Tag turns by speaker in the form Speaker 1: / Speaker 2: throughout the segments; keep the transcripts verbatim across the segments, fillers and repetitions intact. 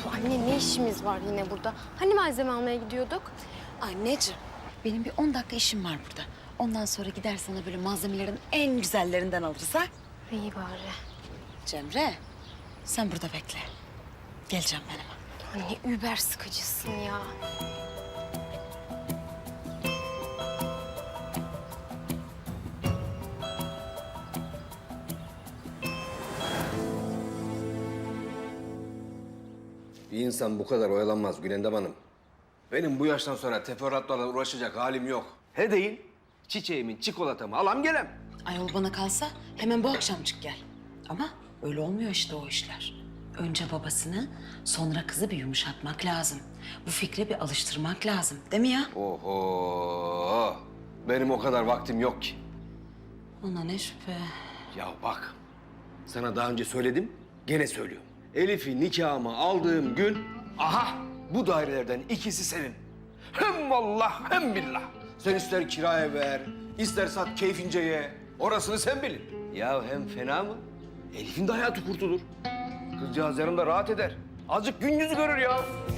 Speaker 1: Anne ne işimiz var yine burada? Hani malzeme almaya gidiyorduk?
Speaker 2: Anneciğim, benim bir on dakika işim var burada. Ondan sonra gider sana böyle malzemelerin en güzellerinden alırız ha?
Speaker 1: İyi bari.
Speaker 2: Cemre, sen burada bekle. Geleceğim ben hemen.
Speaker 1: Anne über sıkıcısın ya.
Speaker 3: Bir insan bu kadar oyalanmaz Gülendam Hanım. Benim bu yaştan sonra teferruatlarla uğraşacak halim yok. He değil, çiçeğimin çikolatamı alam gelem.
Speaker 2: Ayol bana kalsa hemen bu akşamcık gel. Ama öyle olmuyor işte o işler. Önce babasını, sonra kızı bir yumuşatmak lazım. Bu fikre bir alıştırmak lazım. Değil mi ya?
Speaker 3: Oho, benim o kadar vaktim yok ki.
Speaker 2: Ona ne şüphe.
Speaker 3: Ya bak, sana daha önce söyledim, gene söylüyorum. Elif'i nikahıma aldığım gün, aha bu dairelerden ikisi senin. Hem vallah hem billah. Sen ister kiraya ver, ister sat keyfince ye. Orasını sen bilin. Ya hem fena mı? Elif'in de hayatı kurtulur. Kızcağız yanımda rahat eder. Azıcık gün yüzü görür ya.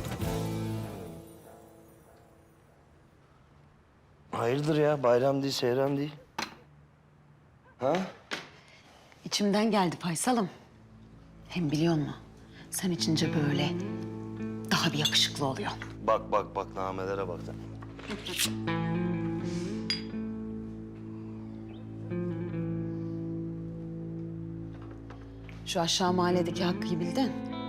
Speaker 4: Hayırdır ya? Bayram değil, seyran değil. Ha?
Speaker 2: İçimden geldi Faysal'ım. Hem biliyor musun? Sen içince böyle daha bir yakışıklı oluyor.
Speaker 4: Bak bak bak, namelere bak sen.
Speaker 2: Şu aşağı mahalledeki Hakkı'yı bildin.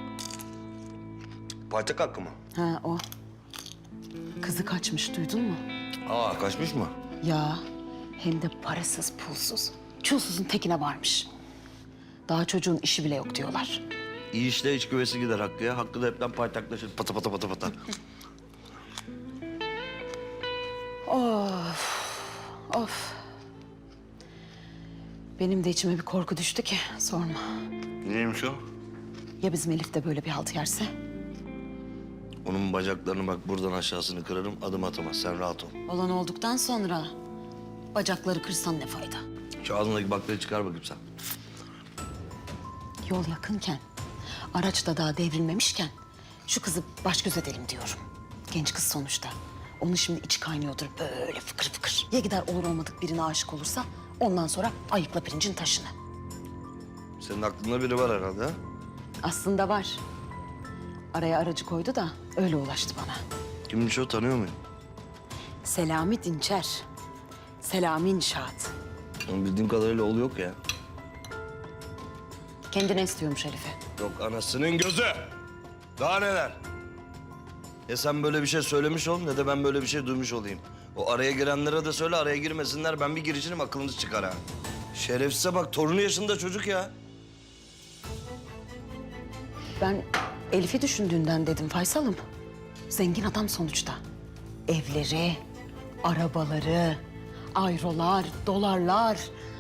Speaker 4: Paytak hakkı mı?
Speaker 2: Ha o. Kızı kaçmış duydun mu?
Speaker 4: Aa, kaçmış mı?
Speaker 2: Ya hem de parasız pulsuz. Çulsuzun tekine varmış. Daha çocuğun işi bile yok diyorlar.
Speaker 4: İyi işte iç güvesi gider Hakkı'ya. Hakkı da hepten paytaklaşır. Pata pata pata pata.
Speaker 2: Of, of. Benim de içime bir korku düştü ki sorma.
Speaker 4: Neymiş o?
Speaker 2: Ya bizim Elif de böyle bir halt yerse?
Speaker 4: Onun bacaklarını bak buradan aşağısını kırarım, adım atamaz. Sen rahat ol.
Speaker 2: Olan olduktan sonra bacakları kırsan ne fayda?
Speaker 4: Şu ağzındaki baklayı çıkar bakayım sen.
Speaker 2: Yol yakınken, araç da daha devrilmemişken şu kızı baş göz edelim diyorum. Genç kız sonuçta. Onun şimdi içi kaynıyordur böyle fıkır fıkır. Ya gider olur olmadık birine aşık olursa ondan sonra ayıkla pirincin taşını.
Speaker 4: Senin aklında biri var herhalde ha?
Speaker 2: Aslında var. Araya aracı koydu da öyle ulaştı bana.
Speaker 4: Kimmiş o, tanıyor muyum?
Speaker 2: Selami Dinçer. Selami İnşaat.
Speaker 4: Onun bildiğim kadarıyla oğlu yok ya.
Speaker 2: Kendine istiyormuş Elif'i.
Speaker 4: Yok anasının gözü. Daha neler? Ya sen böyle bir şey söylemiş ol ne de ben böyle bir şey duymuş olayım. O araya girenlere de söyle araya girmesinler. Ben bir girişirim aklınız çıkar ha. Şerefsize bak, torunu yaşında çocuk ya.
Speaker 2: Ben Elif'i düşündüğünden dedim Faysal'ım. Zengin adam sonuçta. Evleri, arabaları, ayrolar, dolarlar.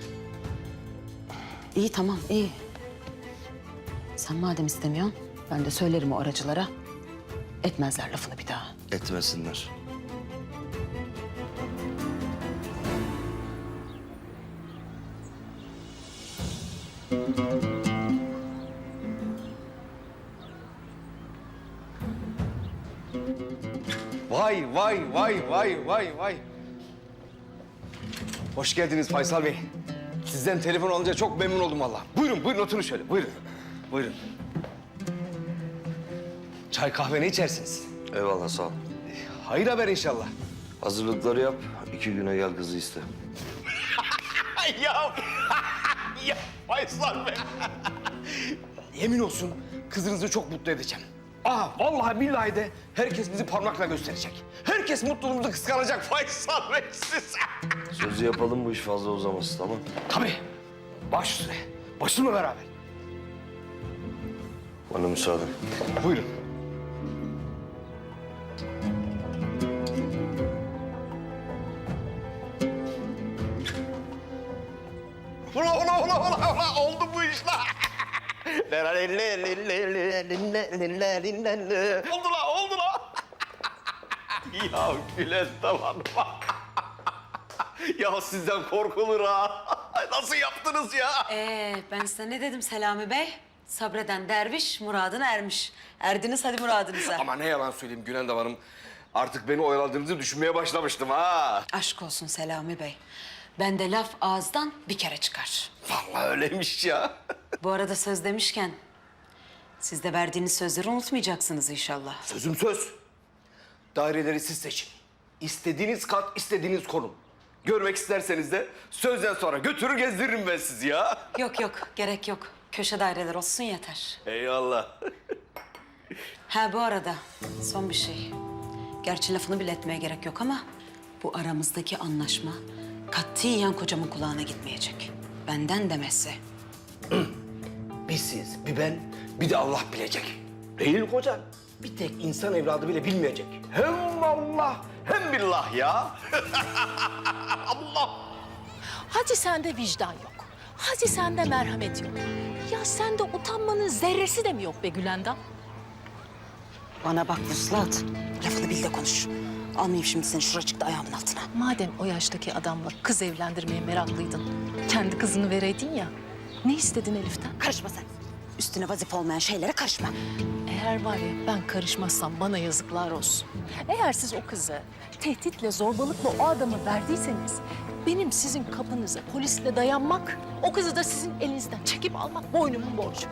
Speaker 2: İyi tamam iyi. Sen madem istemiyorsun ben de söylerim o aracılara. Etmezler lafını bir daha.
Speaker 4: Etmesinler.
Speaker 3: Vay vay vay vay vay vay. Hoş geldiniz Faysal Bey. Sizden telefon alınca çok memnun oldum vallahi. Buyurun buyurun oturun şöyle buyurun. Buyurun. Çay kahve ne içersiniz?
Speaker 4: Eyvallah sağ ol.
Speaker 3: Hayır haber inşallah.
Speaker 4: Hazırlıkları yap. iki güne gel kızı iste.
Speaker 3: ya, ya Faysal Bey. Yemin olsun kızınızı çok mutlu edeceğim. Aa vallahi billahi de herkes bizi parmakla gösterecek. Herkes mutluluğumuzu kıskanacak Faysal Bey siz.
Speaker 4: Sözü yapalım, bu iş fazla uzamasın, tamam?
Speaker 3: Tabii. Baş üstüne. Başımla beraber.
Speaker 4: Bana müsaade.
Speaker 3: Buyurun. Ula ula ula ula ula oldu bu işler. oldu la oldu la. ya Gülen tamam. ya sizden korkulur ha. Nasıl yaptınız ya?
Speaker 2: Ee, ben size ne dedim Selami Bey? Sabreden derviş muradına ermiş. Erdiniz hadi muradınıza.
Speaker 3: Ama ne yalan söyleyeyim Gülendam Hanım. Artık beni oyaladığınızı düşünmeye başlamıştım ha.
Speaker 2: Aşk olsun Selami Bey. Bende laf ağızdan bir kere çıkar.
Speaker 3: Vallahi öyleymiş ya.
Speaker 2: Bu arada söz demişken... siz de verdiğiniz sözleri unutmayacaksınız inşallah.
Speaker 3: Sözüm söz. Daireleri siz seçin. İstediğiniz kat, istediğiniz konum. Görmek isterseniz de sözden sonra götürür gezdiririm ben sizi ya.
Speaker 2: Yok yok, gerek yok. Köşe daireler olsun yeter.
Speaker 3: Eyvallah.
Speaker 2: Ha bu arada son bir şey. Gerçi lafını bile etmeye gerek yok ama... bu aramızdaki anlaşma katiyen kocamın kulağına gitmeyecek. Benden demesi.
Speaker 3: Bir siz, bir ben, bir de Allah bilecek. Değil mi kocan? Bir tek insan evladı bile bilmeyecek. Hem Allah hem billah ya. Allah.
Speaker 5: Hadi sende vicdan yok. Hadi sende merhamet yok. Ya sende utanmanın zerresi de mi yok be Gülendam?
Speaker 2: Bana bak Vuslat. Lafını bil de konuş. Almayayım şimdi seni şuracıkta ayağımın altına.
Speaker 5: Madem o yaştaki adamla kız evlendirmeye meraklıydın, kendi kızını vereydin ya. Ne istedin Elif'ten?
Speaker 2: Karışma sen. Üstüne vazife olmayan şeylere karışma.
Speaker 5: Eğer var ya ben karışmazsam bana yazıklar olsun. Eğer siz o kızı tehditle, zorbalıkla o adamı verdiyseniz... benim sizin kapınıza polisle dayanmak, o kızı da sizin elinizden çekip almak boynumun borcu.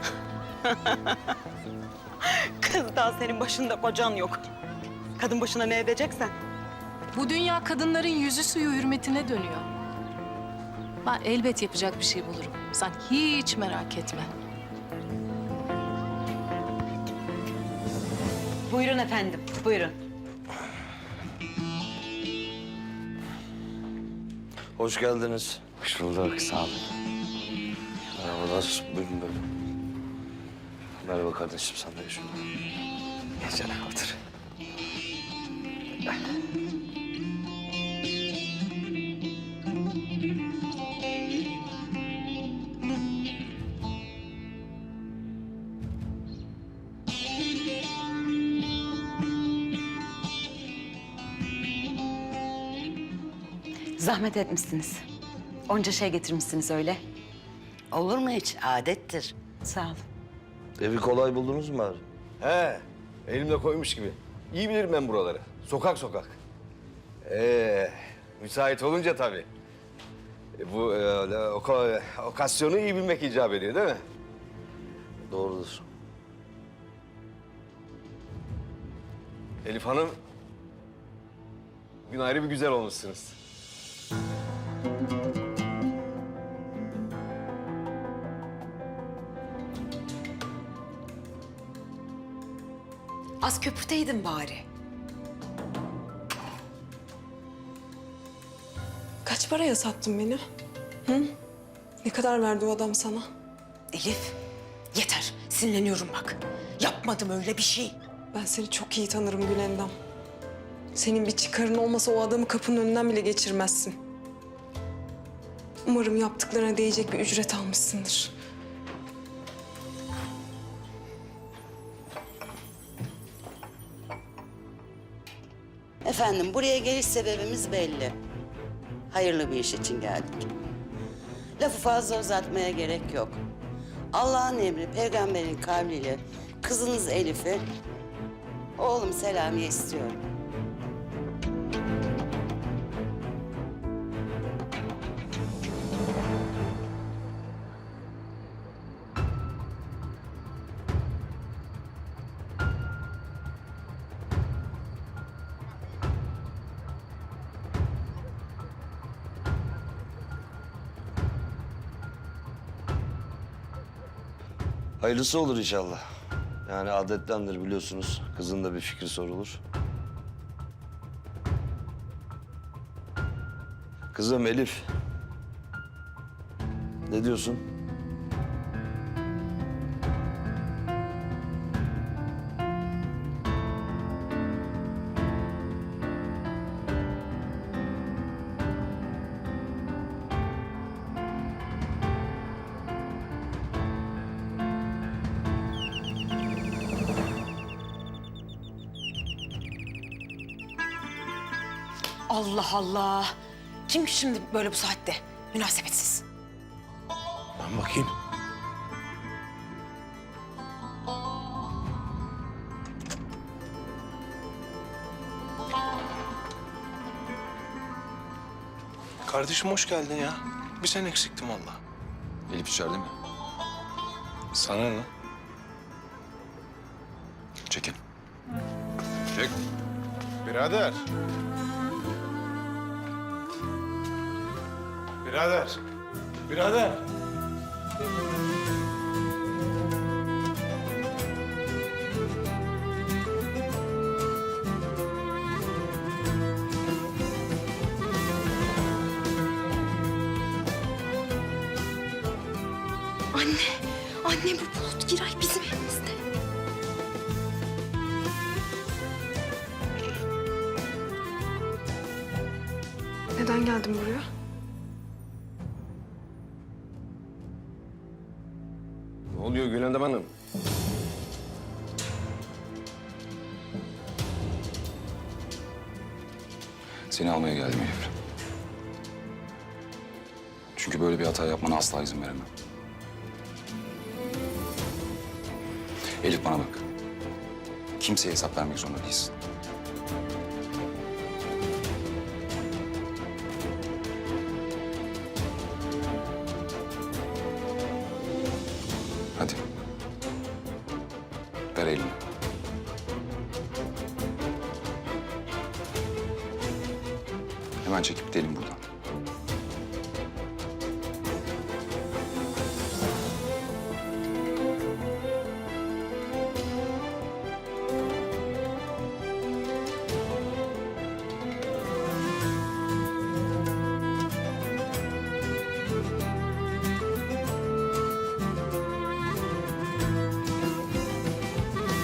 Speaker 2: Kız daha senin başında kocan yok. Kadın başına ne edeceksen.
Speaker 5: Bu dünya kadınların yüzü suyu hürmetine dönüyor. Ben elbet yapacak bir şey bulurum. Sen hiç merak etme.
Speaker 2: Buyurun efendim, buyurun.
Speaker 4: Hoş geldiniz.
Speaker 3: Hoş bulduk, sağ olun.
Speaker 4: Merhabalar. Buyurun böyle. Merhaba kardeşim, sen de şurada.
Speaker 3: Gel canım, otur.
Speaker 2: Zahmet etmişsiniz. Onca şey getirmişsiniz öyle.
Speaker 6: Olur mu hiç? Adettir.
Speaker 2: Sağ olun.
Speaker 4: Evi kolay buldunuz mu bari?
Speaker 3: He, elimle koymuş gibi. İyi bilirim ben buraları. Sokak sokak. Ee, müsait olunca tabii. E, bu e, oka, okasyonu iyi bilmek icap ediyor değil mi?
Speaker 4: Doğrudur.
Speaker 3: Elif Hanım, bugün ayrı bir güzel olmuşsunuz.
Speaker 2: Az köpürteydin bari.
Speaker 7: Kaç paraya sattın beni? Hı? Ne kadar verdi o adam sana?
Speaker 2: Elif, yeter. Sinirleniyorum bak. Yapmadım öyle bir şey.
Speaker 7: Ben seni çok iyi tanırım Gülendam. Senin bir çıkarın olmasa o adamı kapının önünden bile geçirmezsin. Umarım yaptıklarına değecek bir ücret almışsındır.
Speaker 6: Efendim buraya geliş sebebimiz belli. Hayırlı bir iş için geldik. Lafı fazla uzatmaya gerek yok. Allah'ın emri, peygamberin kavliyle kızınız Elif'i oğlum Selami'ye istiyorum.
Speaker 4: Hayırlısı olur inşallah. Yani adettendir biliyorsunuz. Kızın da bir fikri sorulur. Kızım Elif. Ne diyorsun?
Speaker 2: Allah Allah. Kim ki şimdi böyle bu saatte? Münasebetsiz.
Speaker 3: Ben bakayım.
Speaker 8: Kardeşim hoş geldin ya. Bir sen eksiktim valla.
Speaker 9: Elif içeride mi?
Speaker 8: Sana ne?
Speaker 9: Çekin. Çek.
Speaker 8: Birader. Birader. Birader.
Speaker 1: Anne, anne bu Bulut Giray bizim evimizde.
Speaker 7: Neden geldin buraya?
Speaker 3: Ne oluyor Gülendam Hanım?
Speaker 9: Seni almaya geldim Elif. Çünkü böyle bir hata yapmana asla izin veremem. Elif bana bak. Kimseye hesap vermek zorunda değilsin. Hadi. Ver elini. Hemen çekip gidelim buradan.